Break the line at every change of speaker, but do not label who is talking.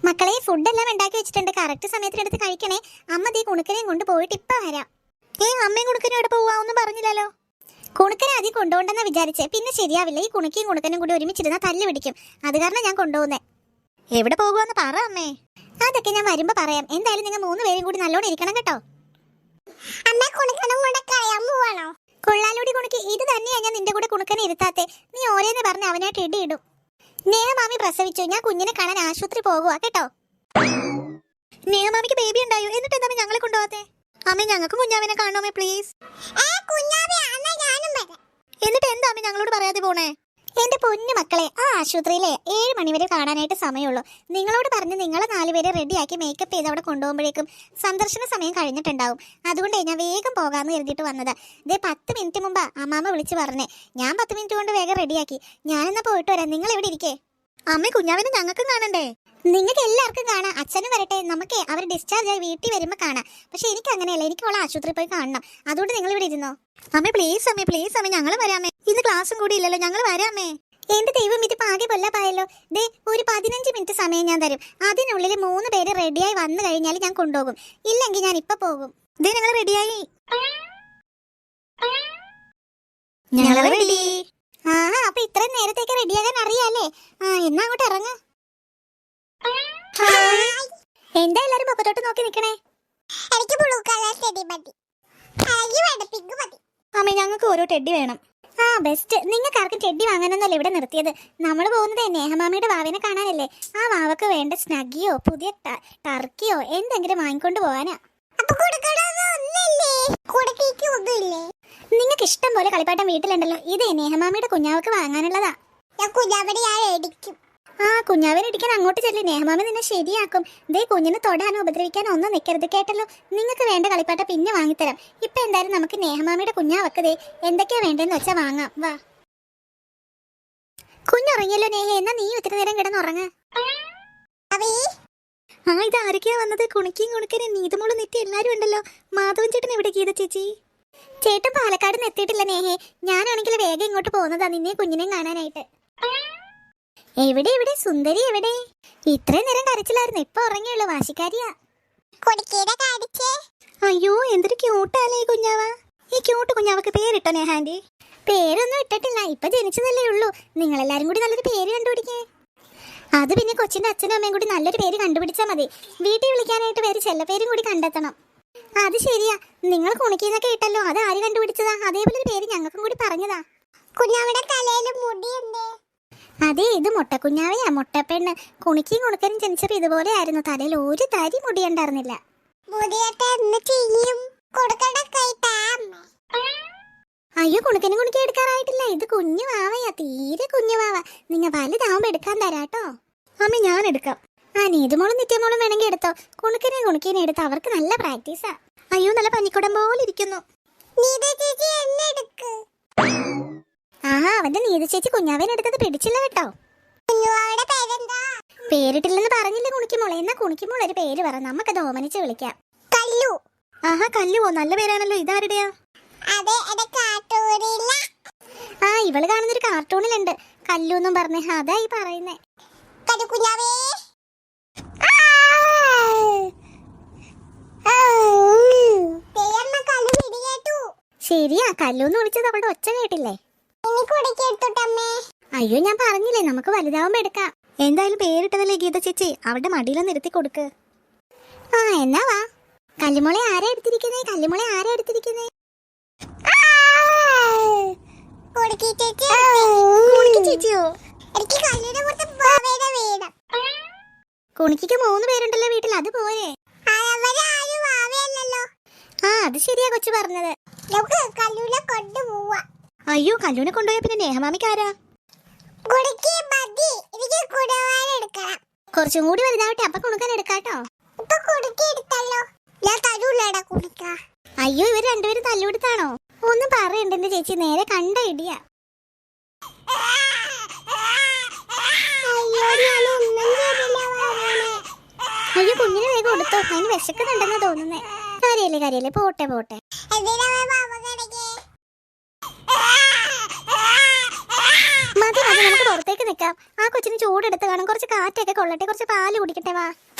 മക്കളെ ഫുഡെല്ലാം ഉണ്ടാക്കി വെച്ചിട്ടുണ്ട്. കറക്റ്റ് സമയത്തിനടുത്ത് കഴിക്കണേ. അമ്മ ദേ കുണുക്കനെയും കൊണ്ട് പോയിട്ട് ഇപ്പൊ വരാം. അമ്മയും കുണുക്കനും എവിടെ പോവാന്നും പറഞ്ഞില്ലല്ലോ. കുണുക്കനെ ആദ്യം കൊണ്ടുപോകണ്ടെന്നാ വിചാരിച്ചേ, പിന്നെ ശരിയാവില്ല. ഈ കുണുക്കിയും കുണുക്കനും കൂടി ഒരുമിച്ചിരുന്നാ തല്ല് പിടിക്കും. അത് കാരണം ഞാൻ കൊണ്ടുപോകുന്നേ. എവിടെ പോകുവാന്ന് പറ അമ്മേ. അതൊക്കെ ഞാൻ വരുമ്പോ പറയാം. എന്തായാലും നിങ്ങൾ 3 പേരും കൂടി നല്ലോണം ഇരിക്കണം കേട്ടോ. കൊള്ളാലൂടി കുണുക്കി, ഇത് തന്നെയാ ഞാൻ നിന്റെ കൂടെ കുണുക്കനെ ഇരുത്താത്തെ. നീ ഓരോന്ന് പറഞ്ഞ് അവനായിട്ട് ഇടിയിടും. നേഹമാമി പ്രസവിച്ചു. ഞാൻ കുഞ്ഞിനെ കാണാൻ ആശുപത്രി പോകുക കേട്ടോ. നേഹമാമിക്ക് ബേബി ഉണ്ടായോ? എന്നിട്ട് എന്താ ഞങ്ങളെ കൊണ്ടുപോകാത്തെ? അമ്മ ഞങ്ങൾക്ക് കുഞ്ഞാവിനെ കാണണമേ പ്ലീസ്. എന്നിട്ട് എന്താ അമ്മ ഞങ്ങളോട് പറയാതെ പോണേ? എന്റെ പൊന്നു മക്കളെ, ആ ആശുപത്രിയിലെ 7 മണി വരെ കാണാനായിട്ട് സമയമുള്ളൂ. നിങ്ങളോട് പറഞ്ഞ് നിങ്ങളെ 4 പേരെ റെഡിയാക്കി മേക്കപ്പ് ചെയ്ത് അവിടെ കൊണ്ടുപോകുമ്പോഴേക്കും സന്ദർശന സമയം കഴിഞ്ഞിട്ടുണ്ടാവും. അതുകൊണ്ടേ ഞാൻ വേഗം പോകാമെന്ന് കരുതിയിട്ട് വന്നതാ. ഇതേ 10 മിനിറ്റ് മുമ്പാ അമ്മാമ്മ വിളിച്ച് പറഞ്ഞേ. ഞാൻ 10 മിനിറ്റ് കൊണ്ട് വേഗം റെഡിയാക്കി. ഞാനെന്നാ പോയിട്ട് വരാം. നിങ്ങൾ എവിടെ ഇരിക്കേ? അമ്മ കുഞ്ഞാവിനെ ഞങ്ങൾക്കും കാണണ്ടേ? നിങ്ങൾക്ക് എല്ലാവർക്കും കാണാം. അച്ഛനും വരട്ടെ. നമുക്ക് അവർ ഡിസ്ചാർജ് ആയി വീട്ടിൽ വരുമ്പോൾ കാണാം. പക്ഷെ എനിക്ക് അങ്ങനെയല്ല, എനിക്ക് അവളെ ആശുപത്രിയിൽ പോയി കാണണം. അതുകൊണ്ട് നിങ്ങൾ ഇവിടെ ഇരുന്നോ. അമ്മ പ്ലീസ് അമ്മ ഞങ്ങൾ വരാമേ. ഇന്ന് ക്ലാസ്സും കൂടി ഇല്ലല്ലോ, ഞങ്ങൾ വരാമേ. എന്റെ ദൈവം, ഇത് പാകെ കൊല്ലപ്പായല്ലോ. ദേ ഒരു 15 മിനിറ്റ് സമയം ഞാൻ തരും. അതിനുള്ളിൽ 3 പേര് റെഡിയായി വന്നു കഴിഞ്ഞാൽ ഞാൻ കൊണ്ടുപോകും. ഇല്ലെങ്കിൽ ഞാൻ ഇപ്പൊ പോകും. ദേ ഞങ്ങൾ റെഡിയായി. അപ്പൊ ഇത്രയും നേരത്തേക്ക് റെഡിയാകാൻ അറിയാല്ലേ? എന്നാ അങ്ങോട്ട് ഇറങ്ങ. എന്താ എല്ലാരും പൊക്കത്തോട്ട് നോക്കി നിക്കണേ? അമ്മ ഞങ്ങൾക്ക് ഓരോ ടെഡി വേണം. ബെസ്റ്റ്. നിങ്ങൾക്ക് ആർക്കും ടെഡി വാങ്ങാനൊന്നല്ല ഇവിടെ നിർത്തിയത്. നമ്മൾ പോകുന്നത് നേഹമാമിയുടെ വാവിനെ കാണാനല്ലേ. ആ വാവക്ക് വേണ്ട സ്നഗിയോ പുതിയ ടർക്കിയോ എന്തെങ്കിലും വാങ്ങിക്കൊണ്ട് പോവാനാ. നിങ്ങൾക്ക് ഇഷ്ടം പോലെ കളിപ്പാട്ടം വീട്ടിലുണ്ടല്ലോ. ഇത് നേഹമാമിയുടെ കുഞ്ഞാവക്ക് വാങ്ങാനുള്ളതാ. കുഞ്ഞാവിനെ ഇടിക്കാൻ അങ്ങോട്ട് ചെല്ലി. നേഹമാമി നിന്നെ ശരിയാക്കും. ദേ കുഞ്ഞിനെ തൊടാനോ ഉപദ്രവിക്കാനോ ഒന്നും നിൽക്കരുത് കേട്ടല്ലോ. നിങ്ങൾക്ക് വേണ്ട കളിപ്പാട്ടം പിന്നെ വാങ്ങിത്തരാം. ഇപ്പൊ എന്തായാലും നമുക്ക് നേഹമാമിയുടെ കുഞ്ഞാവക്ക് ദേ എന്തൊക്കെയാ വേണ്ടെന്ന് വെച്ചാ വാങ്ങാം. വാ. കുഞ്ഞുറങ്ങിയല്ലോ നേഹ, എന്നാ നീ ഒത്തിരി നേരം കിടന്നുറങ്ങ. ഇത് ആരൊക്കെയാ വന്നത്? കുണിക്കും കുണുക്കനെ നീതുമോള് നെറ്റി എല്ലാരും ഉണ്ടല്ലോ. മാധവൻ ചേട്ടൻ എവിടെ? ഗീത ചേച്ചി ചേട്ടൻ പാലക്കാട് നിന്ന് എത്തിയിട്ടില്ല നേഹേ. ഞാനാണെങ്കിൽ വേഗം ഇങ്ങോട്ട് പോകുന്നതാ നിന്നെ കുഞ്ഞിനെയും കാണാനായിട്ട്. എവിടെ സുന്ദരി എവിടെ? ഇത്രയും നേരം കരച്ചിലായിരുന്നു, ഇപ്പൊ ഉറങ്ങിയുള്ളൂ. വാശിക്കാരിയാ. അയ്യോ എന്തൊരു ക്യൂട്ടാലേ ഈ കുഞ്ഞാവ. ഈ ക്യൂട്ട് കുഞ്ഞാവക്ക് പേരിട്ടോ നേഹാൻഡി? പേരൊന്നും ഇട്ടിട്ടില്ല, ഇപ്പൊ ജനിച്ചതല്ലേ ഉള്ളൂ. നിങ്ങളെല്ലാരും കൂടി നല്ലൊരു പേര് കണ്ടുപിടിക്കേ. അത് പിന്നെ കൊച്ചിന്റെ അച്ഛനും അമ്മയും കൂടി നല്ലൊരു പേര് കണ്ടുപിടിച്ചാൽ മതി. വീട്ടിൽ വിളിക്കാനായിട്ട് വേറെ ചെല്ലപ്പേരും കൂടി കണ്ടെത്തണം. അത് ശരിയാ. നിങ്ങൾ കുണിക്കുന്നൊക്കെ ഇട്ടല്ലോ, അത് ആര് കണ്ടുപിടിച്ചതാ? അതേപോലെ ഒരു പേര് ഞങ്ങൾക്കും കൂടി പറഞ്ഞതാ. കുഞ്ഞാവിടെ തലയിൽ മുടിയുണ്ടേ? അതെ, ഇത് മുട്ടക്കുഞ്ഞാവയാ, മുട്ടപ്പെണ്ണ്. കുണിക്കും കുണുക്കനും ജനിച്ചപ്പോ ഇതുപോലെ ആയിരുന്നു. തലയിൽ ഒരു തരി മുടിയുണ്ടായിരുന്നില്ല. അയ്യോ കുണുക്കനും കുണിക്കി എടുക്കാറായിട്ടില്ല. ഇത് കുഞ്ഞു വാവയാ, തീരെ കുഞ്ഞു വാവ. നിങ്ങ വലുതാവുമ്പോ എടുക്കാൻ തരാട്ടോ. അമ്മ ഞാൻ എടുക്കാം. നീതുമോളും നിത്യമോളും വേണമെങ്കിൽ എടുത്തോ. കുണുക്കനെയും കുണിക്കിനെയും എടുത്ത് അവർക്ക് നല്ല പ്രാക്ടീസാ. അയ്യോ നല്ല പനിക്കുടം പോലെ ഇരിക്കുന്നു. അവന്റെ നീതു ചേച്ചി കുഞ്ഞാവേനെ എടുത്തത് പിടിച്ചില്ല കേട്ടോ. പേരിട്ടില്ലെന്ന് പറഞ്ഞില്ലേ കുണിക്കുമോളെ? എന്നാ കുണിക്കുമോൾ ഒരു പേര് പറ, നമുക്കത് ഓമനിച്ച് വിളിക്കാം. കല്ലു. കല്ലുവോ, നല്ല പേരാണല്ലോ. ഇതാരുടെയാ? ഇവള് കാണുന്നൊരു കാർട്ടൂണിലുണ്ട് കല്ലു എന്നും പറഞ്ഞേ. അതായി പറയുന്നേ. ശരിയാ, കല്ലൂന്ന് വിളിച്ചത് അവളുടെ ഒച്ച കേട്ടില്ലേ? അയ്യോ ഞാൻ പറഞ്ഞില്ലേ, നമുക്ക് വലുതാവുമ്പോ എടുക്കാം. എന്തായാലും പേരിട്ടതല്ലേ ഗീത ചേച്ചി, അവളുടെ മടിയിലൊന്ന് ഇരുത്തി കൊടുക്ക്. എന്നാ വാ. കല്ലുമോളെ ആരാ എടുത്തിരിക്കുന്നേ? കല്ലുമോളെ ആരാ എടുത്തിരിക്കുന്നേ? ചേച്ചിയോ? കുണിക്ക് 3 പേരുണ്ടല്ലോ വീട്ടിൽ, അത് പോരെ? അത് ശരിയാ കൊച്ചു പറഞ്ഞത്. അയ്യോ കല്ലൂനെ കൊണ്ടുപോയ പിന്നെ നേഹമാമിക്ക് ആരാ? കുറച്ചും കൂടി വലുതാവട്ടെ, അപ്പൊ കുണുക്കാൻ എടുക്കാട്ടോ. അയ്യോ ഇവർ രണ്ടുപേരും തല്ലുകൊടുത്താണോ? ഒന്നും പറയണ്ട എന്റെ ചേച്ചി, നേരെ കണ്ട ഇടിയാ. അയ്യോ കുഞ്ഞിനെ വേഗം കൊടുത്തോ, അതിന് വിശക്കുന്നുണ്ടെന്നാ തോന്നുന്നേ. കാര്യല്ലേ പോട്ടെ. മതി നമുക്ക് പുറത്തേക്ക് നിൽക്കാം. ആ കൊച്ചിന് ചൂടെടുത്ത് കാണും, കുറച്ച് കാറ്റൊക്കെ കൊള്ളട്ടെ, കുറച്ച് പാല് കുടിക്കട്ടെ. വാ.